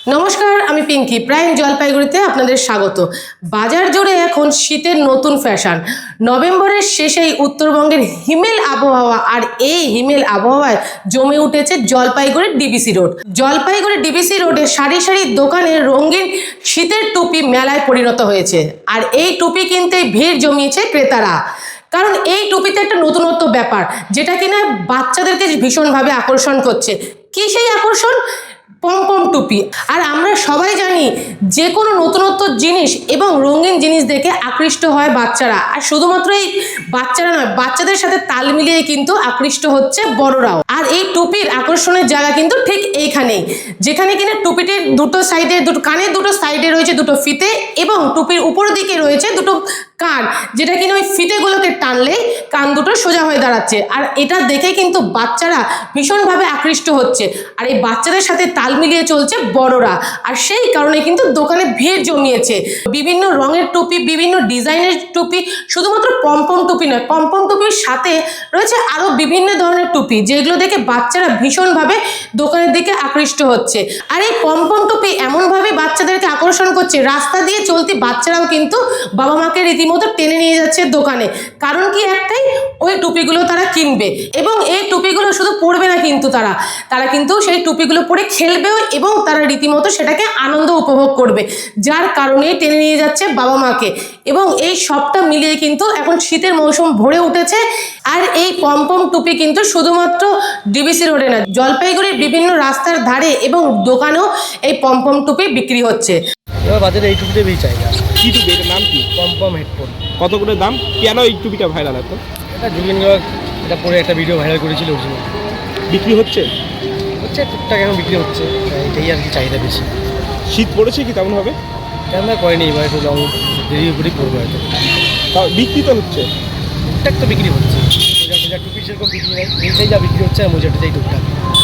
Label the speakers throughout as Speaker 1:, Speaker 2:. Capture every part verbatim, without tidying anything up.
Speaker 1: নমস্কার, আমি পিঙ্কি। প্রাইম জলপাইগুড়িতে আপনাদের স্বাগত। বাজার জুড়ে এখন শীতের নতুন ফ্যাশন। নভেম্বরের শেষেই উত্তরবঙ্গের হিমেল আবহাওয়া, আর এই হিমেল আবহাওয়ায় জমে উঠেছে জলপাইগুড়ির ডিবিসি রোড। জলপাইগুড়ি ডিবিসি রোডে সারি সারি দোকানে রঙিন শীতের টুপি মেলায় পরিণত হয়েছে, আর এই টুপি কিনতে ভিড় জমিয়েছে ক্রেতারা। কারণ এই টুপিতে একটা নতুনত্ব ব্যাপার, যেটা কিনা বাচ্চাদেরকে ভীষণভাবে আকর্ষণ করছে। কি সেই আকর্ষণ? পমপম টুপি। আর আমরা সবাই জানি যে কোনো নতুনত্ব জিনিস এবং রঙিন জিনিস দেখে আকৃষ্ট হয় বাচ্চারা। আর শুধুমাত্র এই বাচ্চারা নয়, বাচ্চাদের সাথে তাল মিলিয়ে কিন্তু আকৃষ্ট হচ্ছে বড়রাও। আর এই টুপির আকর্ষণের জায়গা কিন্তু ঠিক এইখানেই, যেখানে কিনা টুপিটির দুটো সাইডে, দুটো কানের দুটো সাইডে রয়েছে দুটো ফিতে, এবং টুপির উপর দিকে রয়েছে দুটো কান, যেটা কিনা ওই ফিতেগুলোকে টানলে কান দুটো সোজা হয়ে দাঁড়াচ্ছে। আর এটা দেখে কিন্তু বাচ্চারা ভীষণভাবে আকৃষ্ট হচ্ছে, আর এই বাচ্চাদের সাথে তাল মিলিয়ে চলছে বড়রা। আর সেই কারণে কিন্তু দোকানে ভিড় জমিয়েছে। বিভিন্ন রঙের টুপি, বিভিন্ন ডিজাইনের টুপি, শুধুমাত্র পমপম টুপি নয়, পমপম টুপির সাথে রয়েছে আরও বিভিন্ন ধরনের টুপি, যেগুলো দেখে বাচ্চারা ভীষণভাবে দোকানের দিকে আকৃষ্ট হচ্ছে। আর এই পমপম টুপি এমনভাবে বাচ্চাদেরকে আকর্ষণ করছে, রাস্তা দিয়ে চলতি বাচ্চারাও কিন্তু বাবা মাকে রীতিমতো টেনে নিয়ে যাচ্ছে দোকানে। কারণ কি একটাই, ওই টুপিগুলো তারা কিনবে, এবং এই টুপিগুলো শুধু পরবে না, কিন্তু তারা তারা কিন্তু সেই টুপিগুলো পরে খেলবেও, এবং তারা রীতিমতো সেটাকে আনন্দ উপভোগ করবে, যার কারণে টেনে নিয়ে যাচ্ছে বাবা মাকে। এবং এই সবটা মিলিয়ে কিন্তু এখন শীতের মৌসুম ভরে উঠেছে। আর এই পমপম টুপি কিন্তু শুধুমাত্র ডিবিসি রোডে না, জলপাইগুড়ির বিভিন্ন রাস্তার ধারে এবং দোকানেও এই পমপম টুপি বিক্রি হচ্ছে।
Speaker 2: এবার বাজারে এই টুপিটা বেশি চাহিদা।
Speaker 3: কি টুপি, এটার নাম কি?
Speaker 2: Pompom headphone.
Speaker 3: কত করে দাম? কেন এই টুপিটা ভাইরাল এত?
Speaker 2: এটা জুবিন গার্গ এটা পরে একটা ভিডিও ভাইরাল করেছিল, অরিজিনাল।
Speaker 3: বিক্রি হচ্ছে
Speaker 2: হচ্ছে টুকটাক এখন বিক্রি হচ্ছে, এটাই আর কি চাহিদা বেশি।
Speaker 3: শীত পড়েছে কি তেমন হবে?
Speaker 2: তেমন করেনি, এবার একটু লং দেরি করেই করবো হয়তো।
Speaker 3: তাও বিক্রি তো হচ্ছে,
Speaker 2: টুকটাক তো বিক্রি হচ্ছে। মোজা মোজা টুপি সেরকম বিক্রি নেই, এইটাই যা বিক্রি হচ্ছে, আর মোজাটা যাই টুকটাক।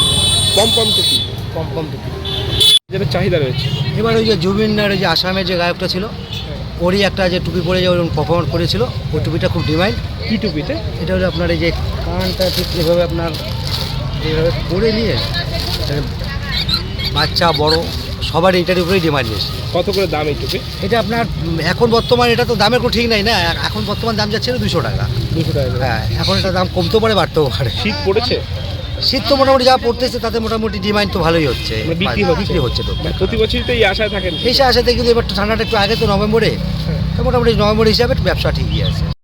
Speaker 3: পমপম টুপি,
Speaker 2: পমপম টুপি
Speaker 3: যেটা চাহিদা রয়েছে।
Speaker 4: এবার ওই যে জুবিনার যে আসামের যে গায়কটা ছিল, ওরই একটা যে টুপি পরে যে পারফর্ম করেছিল, ওই টুপিটা খুব ডিমান্ড।
Speaker 3: কি টুপিতে?
Speaker 4: এটা হলো আপনার এই যে কানটা ঠিক এভাবে আপনার এইভাবে পরে নিয়ে বাচ্চা বড় সবার এইটার উপরেই ডিমান্ড বেশি।
Speaker 3: কত করে দাম এই টুপি?
Speaker 4: এটা আপনার এখন বর্তমান এটা তো দামের কোনো ঠিক নাই না, এখন বর্তমান দাম যাচ্ছে দুশো টাকা।
Speaker 3: দুশো টাকা করে।
Speaker 4: হ্যাঁ, এখন এটা দাম কমতেও পারে বাড়তেও পারে।
Speaker 3: শীত পড়েছে,
Speaker 4: শীত তো মোটামুটি যা পড়তেছে তাতে মোটামুটি ডিমান্ড তো ভালোই হচ্ছে,
Speaker 3: মানে বিক্রি হচ্ছে।
Speaker 4: বিক্রি হচ্ছে তো।
Speaker 3: মানে প্রতি বছরই তো এই আশায় থাকেন।
Speaker 4: এই আসাতে কিন্তু এবার ঠান্ডাটা একটু আগে তো নভেম্বরে, তো মোটামুটি নভেম্বর হিসাবে ব্যবসা ঠিকই আছে।